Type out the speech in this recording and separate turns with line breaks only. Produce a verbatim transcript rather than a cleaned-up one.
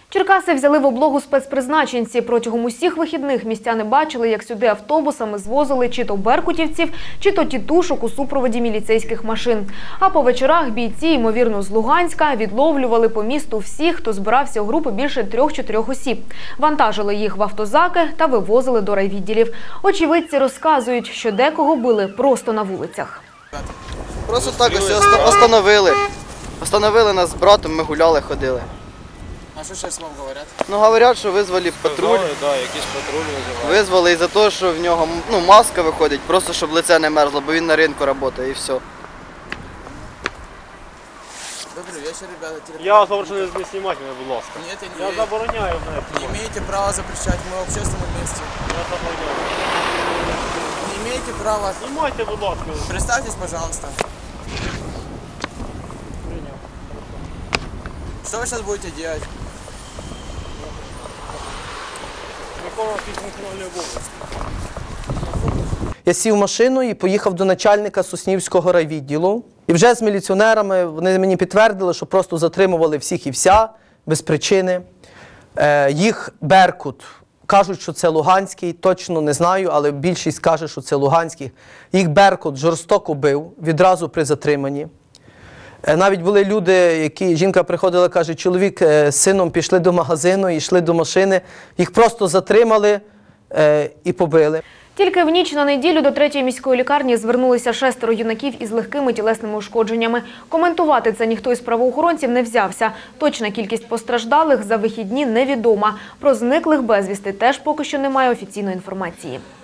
Черкаси взяли в облогу спецпризначенці. Протягом усіх вихідних містяни бачили, як сюди автобусами звозили чи то беркутівців, чи то тітушок у супроводі міліцейських машин. А по вечорах бійці, ймовірно, з Луганська, відловлювали по місту всіх, хто збирався у групи більше трьох-чотирьох осіб. Вантажили їх в автозаки та вивозили до райвідділів. Очевидці розказують, що декого били просто на вулицях.
Просто так ось остановили. Остановили нас з братом, ми гуляли, ходили.
А що зараз вам говорять?
Ну, говорять, що визвали патруль.
Так, да, якийсь патруль визивають.
Визвали із-за того, що в нього ну, маска виходить, просто щоб лице не мерзло, бо він на ринку працює і все.
Добрий вечір, ребята.
Я вас прошу не знімати мене, будь ласка.
Ні, я
Я
не
забороняю мене.
Не имеете права запрещать, мы в общественном месте.
Я забороняю.
Не имеете права.
Знімайте, будь ласка.
Представьтесь, пожалуйста. Что вы сейчас будете делать?
Виконувати функціональні обов'язки.
Я сів в машину і поїхав до начальника Соснівського райвідділу. І вже з міліціонерами вони мені підтвердили, що просто затримували всіх і вся, без причини. Е, їх Беркут. Кажуть, що це Луганський, точно не знаю, але більшість каже, що це Луганський. Їх Беркут жорстоко бив відразу при затриманні. Е, навіть були люди, які, жінка приходила, каже, чоловік е, з сином пішли до магазину, йшли до машини, їх просто затримали е, і побили.
Тільки в ніч на неділю до третьої міської лікарні звернулися шестеро юнаків із легкими тілесними ушкодженнями. Коментувати це ніхто із правоохоронців не взявся. Точна кількість постраждалих за вихідні невідома. Про зниклих безвісти теж поки що немає офіційної інформації.